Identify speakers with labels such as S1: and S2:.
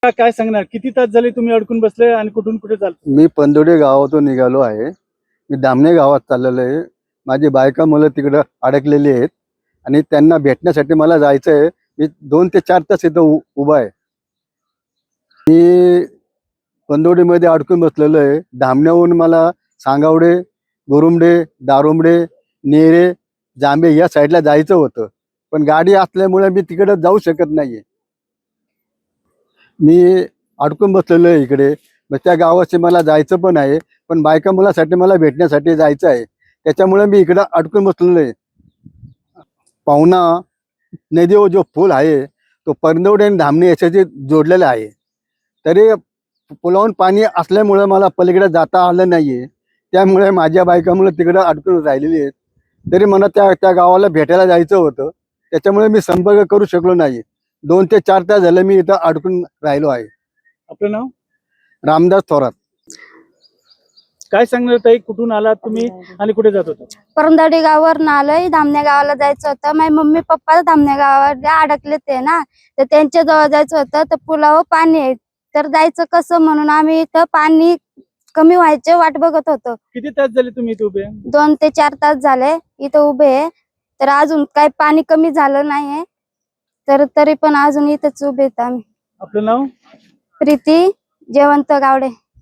S1: काय सांगणार, किती तास झाले तुम्ही अडकून बसले आणि कुठून कुठे चालतो?
S2: मी पंदोडे गावातून निघालो आहे. मी दामणे गावात चाललेलो आहे. माझी बायका मुलं तिकडं अडकलेली आहेत आणि त्यांना भेटण्यासाठी मला जायचं आहे. मी 2 ते 4 तास इथं उभा आहे. मी पंदोडीमध्ये अडकून बसलेलो आहे. धामण्याहून मला सांगावडे, गुरुमडे, दारुमडे, नेरे, जांभे या साईडला जायचं होतं, पण गाडी असल्यामुळे मी तिकडं जाऊ शकत नाहीये. मी अडकून बसलेलो आहे इकडे. मग त्या गावाशी मला जायचं पण आहे, पण बायका मुलासाठी मला भेटण्यासाठी जायचं आहे. त्याच्यामुळे मी इकडं अडकून बसलेलो आहे. पाहुणा नदीवर जो पूल आहे तो पंदोडे आणि धामणे याच्याशी जोडलेला आहे. तरी पुलावून पाणी असल्यामुळे मला पलीकडे जाता आलं नाहीये. त्यामुळे माझ्या बायकामुळे तिकडं अडकून राहिलेली आहेत. तरी मला त्या गावाला भेटायला जायचं होतं, त्याच्यामुळे मी संपर्क करू शकलो नाही. 2 ते 4 तास झाले मी इथं अडकून राहिलो आहे.
S1: आपलं नाव?
S2: रामदास थोरात.
S1: काय सांगणार ताई, कुठून आलात तुम्ही आणि कुठे जात होता?
S3: परंदडी गावावरून आलोय. धामणे गावाला जायचं होतं. माझे मम्मी पप्पा धामणे गावावर अडकले ते ना, तर त्यांच्या जवळ जायचं होतं. तर पुलावर पाणी आहे, तर जायचं कसं म्हणून आम्ही इथं पाणी कमी व्हायचे वाट बघत होतो.
S1: किती तास झाले तुम्ही इथे उभे?
S3: 2 ते 4 तास झाले इथं उभे आहे. तर अजून काही पाणी कमी झालं नाहीये, तर तरी पण अजून इथंच उभे आहेत आम्ही.
S1: आपलं नाव?
S3: प्रीती जयवंत गावडे.